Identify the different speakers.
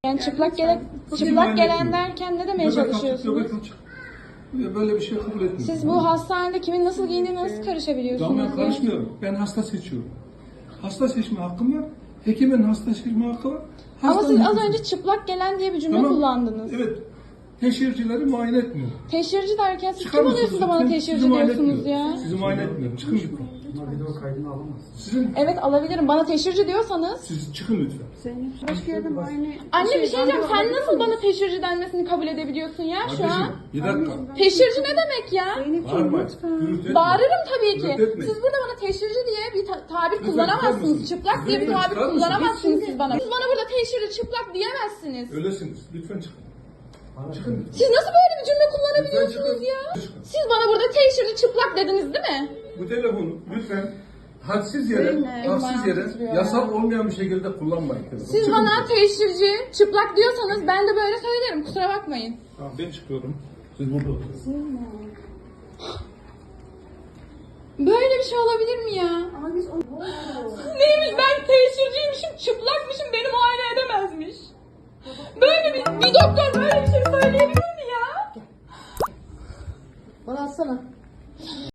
Speaker 1: Yani çıplak gelen derken ne demeye çalışıyorsunuz?
Speaker 2: Böyle bir şey kabul etmiyorum.
Speaker 1: Siz bu hastanede kimin nasıl giyindiğine nasıl karışabiliyorsunuz?
Speaker 2: Ben karışmıyorum. Ben hasta seçiyorum. Hasta seçme hakkım var. Hekimin hasta seçme hakkı var.
Speaker 1: Ama siz az
Speaker 2: Hastanın-
Speaker 1: önce çıplak gelen diye bir cümle
Speaker 2: Tamam.
Speaker 1: kullandınız.
Speaker 2: Evet. Teşhircileri muayene etmiyor.
Speaker 1: Teşhirci derken siz
Speaker 2: Çıkar
Speaker 1: kim
Speaker 2: mısınız
Speaker 1: oluyorsunuz da bana
Speaker 2: lütfen?
Speaker 1: teşhirci
Speaker 2: Sizi muayene
Speaker 1: diyorsunuz
Speaker 2: etmiyor.
Speaker 1: ya?
Speaker 2: Sizi muayene etmiyorum. Çıkın lütfen.
Speaker 3: Video kaydını alamazsın.
Speaker 2: Sizin,
Speaker 1: Evet alabilirim. Bana teşhirci diyorsanız.
Speaker 2: siz çıkın lütfen.
Speaker 3: Başka yerde muayene...
Speaker 1: Anne bir şey diyeceğim. Sen nasıl bana teşhirci denmesini kabul edebiliyorsun ya şu an?
Speaker 2: Kardeşim, bir dakika.
Speaker 1: Teşhirci ne demek ya?
Speaker 2: Bağırma. Gürültü etme.
Speaker 1: Bağırırım tabii ki.
Speaker 2: Gürültü etme.
Speaker 1: Siz burada bana teşhirci diye bir tabir
Speaker 2: Lütfen
Speaker 1: kullanamazsınız.
Speaker 2: çıkar
Speaker 1: Çıplak
Speaker 2: mısınız?
Speaker 1: diye bir
Speaker 2: Lütfen
Speaker 1: tabir
Speaker 2: çıkar mısınız?
Speaker 1: kullanamazsınız siz bana. Siz bana burada teşhirci çıplak diyemezsiniz.
Speaker 2: Öylesiniz. Lütfen çıkın. Çıkın lütfen.
Speaker 1: Siz nasıl böyle bir cümle kullanabiliyorsunuz ya?
Speaker 2: Çıkın.
Speaker 1: Siz bana burada teşhirci çıplak dediniz değil mi?
Speaker 2: Bu telefonu lütfen hadsiz yere, yasal olmayan bir şekilde kullanmayın.
Speaker 1: Siz
Speaker 2: Çıkın
Speaker 1: bana
Speaker 2: lütfen.
Speaker 1: teşhirci çıplak diyorsanız ben de böyle söylerim. Kusura bakmayın.
Speaker 2: Tamam, ben çıkıyorum. Siz burada oturun.
Speaker 1: Böyle bir şey olabilir mi ya?
Speaker 3: Ama biz onu...
Speaker 1: Neymiş ben teşhirciymişim, çıplakmışım, beni muayene edemezmiş. Böyle bir doktor böyle